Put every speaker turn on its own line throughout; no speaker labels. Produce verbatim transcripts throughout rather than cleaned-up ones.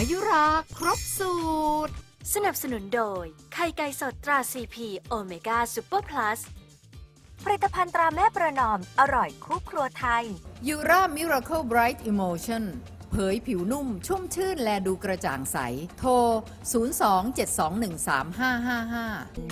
มายุราครบสูตร
สนับสนุนโดยไข่ไก่สดตราซีพีโอเมก้าซูเปอร์พลัสผลิตภัณฑ์ตราแม่ประนอมอร่อยคู่ครัวไทย
ยูรามิราเคิลไบรท์อิโมชั่นเผยผิวนุ่มชุ่มชื่นและดูกระจ่างใสโทร ศูนย์ สอง เจ็ด สอง หนึ่ง สาม ห้า ห้า ห้า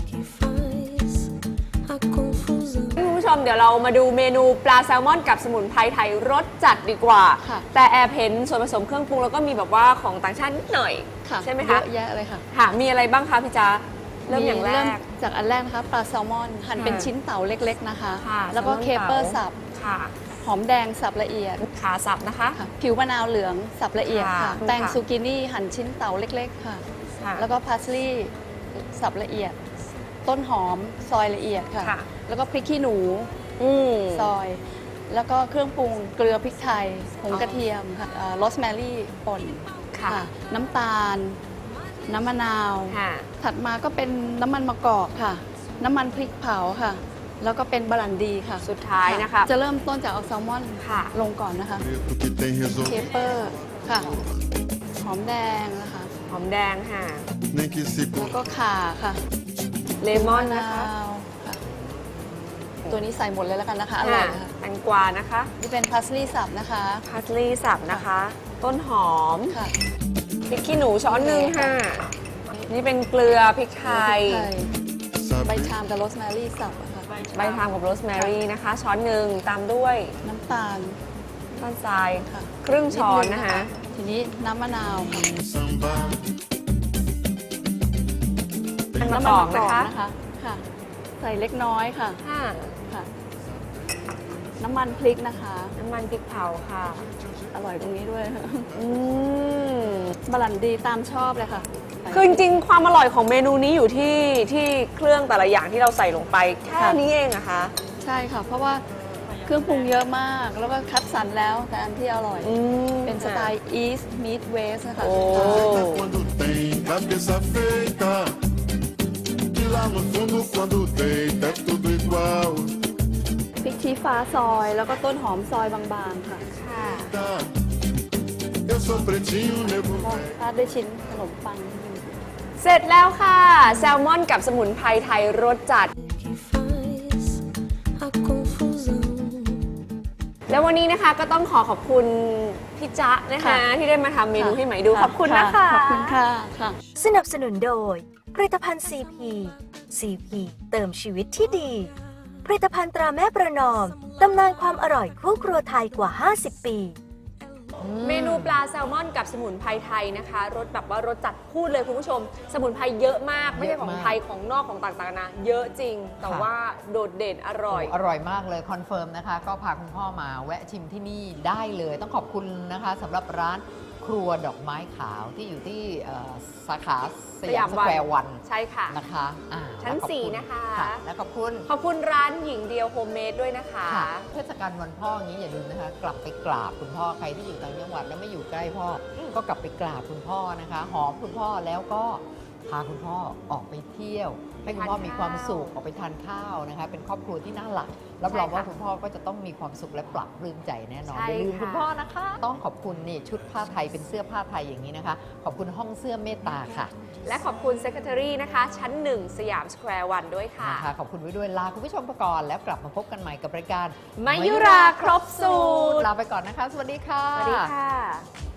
คุณผู้ชมเดี๋ยวเรามาดูเมนูปลาแซลมอนกับสมุนไพรไทยรสจัดดีกว่าแต่แอบเห็นส่วนผสมเครื่องปรุงแล้วก็มีแบบว่าของต่างชาตินิดหน่อยใช่ไหมคะ
เยอะแยะเลยค่ะ
ค่ะมีอะไรบ้างคะพี่จ๊ะเริ่มอย่างแรก
จากอันแรกนะคะปลาแซลมอนหั่นเป็นชิ้นเต๋าเล็กๆนะคะแล้วก็เคเปอร์สับหอมแดงสับละเอียด
ขาสับนะคะ
ผิวมะนาวเหลืองสับละเอียดค่ะแตงซูกินี่หั่นชิ้นเต๋าเล็กๆค่ะแล้วก็พาสลีย์สับละเอียดต้นหอมซอยละเอียดค่ะแล้วก็พริกขี้หนูซอยแล้วก็เครื่องปรุงเกลือพริกไทยผงกระเทียมค่ะโรสแมรี่ป่นค่ะน้ำตาลน้ำมะนาวถัดมาก็เป็นน้ำมันมะกอกค่ะน้ำมันพริกเผาค่ะแล้วก็เป็นบรันดีค่ะ
สุดท้ายนะคะ
จะเริ่มต้นจากเอาแซลมอนลงก่อนนะคะเคเปอร์ค่ะหอมแดงนะคะ
หอมแดงค่ะ
แล้วก็ข่าค่ะ
เลมอนนะคะ
ตัวนี้ใส่หมดเลยแล้วกันนะคะอร่อยค่ะ
แตงกวานะคะ
นี่เป็นพาสลีย์สับนะคะ
พาสลีย์สับนะคะต้นหอมค่ะพริกขี้หนูช้อนหนึ่งค่ะนี่เป็นเกลือพริกไทย
ใบชามกับโรสแมรี่สับค่ะ
ใบชามกับโรสแมรี่นะคะช้อนหนึ่งตามด้วย
น้ำตาล
น้ำตาลทรายค่ะครึ่งช้อนนะคะ
ทีนี้น้ำมะนาวค่ะ
น้ำมะกอกนะคะ
ค่ะใส่เล็กน้อยค่ะค่ะน้ำมันพริกนะคะ
น้ำมันพริกเผาค่ะ
อร่อยตรงนี้ด้วยอืมบรันดีตามชอบเลยค่ะ
คือจริงๆความอร่อยของเมนูนี้อยู่ที่ที่เครื่องแต่ละอย่างที่เราใส่ลงไปแค่นี้เองนะคะ
ใช่ค่ะเพราะว่าเครื่องปรุงเยอะมากแล้วก็คัดสรรแล้วแต่อันที่อร่อยเป็นสไตล์ East Meet West นะคะพริกชี้ฟ้าซอยแล้วก็ต้นหอมซอยบางๆค่ะราดด้วยชิ้นขนมปัง
เสร็จแล้วค่ะแซลมอนกับสมุนไพรไทยรสจัดแล้ววันนี้นะคะก็ต้องขอขอบคุณพี่จ๊ะนะคะที่ได้มาทำเมนูให้ใหม่ดูขอบคุณนะคะ
ขอบคุณค่ะ
สนับสนุนโดยผลิตภัณฑ์ ซี พี ซี พี เติมชีวิตที่ดีผลิตภัณฑ์ตราแม่ประนอมตำนานความอร่อยคู่ครัวไทยกว่าห้าสิบปี
เมนูปลาแซลมอนกับสมุนไพรไทยนะคะรสแบบว่ารสจัดพูดเลยคุณผู้ชมสมุนไพรเยอะมากไม่ใช่ของไทยของนอกของต่างๆนะเยอะจริงแต่ว่าโดดเด่นอร่อย
อร่อยมากเลยคอนเฟิร์มนะคะก็พาคุณพ่อมาแวะชิมที่นี่ได้เลยต้องขอบคุณนะคะสำหรับร้านครัวดอกไม้ขาวที่อยู่ที่สาขาสยามสแควร์วัน
ใช่ค่ะ
นะคะ
ชั้นสี่นะคะ
และขอบคุณ
ขอบคุณร้านหญิงเดียวโฮมเมดด้วยนะคะ
เทศกาลวันพ่ออย่างนี้อย่าลืมนะคะกลับไปกราบคุณพ่อใครที่อยู่ต่างจังหวัดแล้วไม่อยู่ใกล้พ่อก็กลับไปกราบคุณพ่อนะคะหอมคุณพ่อแล้วก็พาคุณพ่อออกไปเที่ยวให้คุณพ่อมีความสุขออกไปทานข้าวนะคะเป็นครอบครัวที่น่ารักรับรองว่าคุณพ่อก็จะต้องมีความสุขและปรับปลื้มใจแน่นอนอย่าลืมคุณพ่อนะคะต้องขอบคุณนี่ชุดผ้าไทยเป็นเสื้อผ้าไทยอย่างนี้นะคะขอบคุณห้องเสื้อเมตตาค่ะ
และขอบคุณ Secretary นะคะชั้นหนึ่งสยามสแควร์วันด้วยค่ะ
ขอบคุณไว้ด้วยลาคุณผู้ชมไปก่อนแล้วกลับมาพบกันใหม่กับรายการ
มายุราครบสูตร
ลาไปก่อนนะคะสวัสดีค่ะ
สวัสดีค่ะ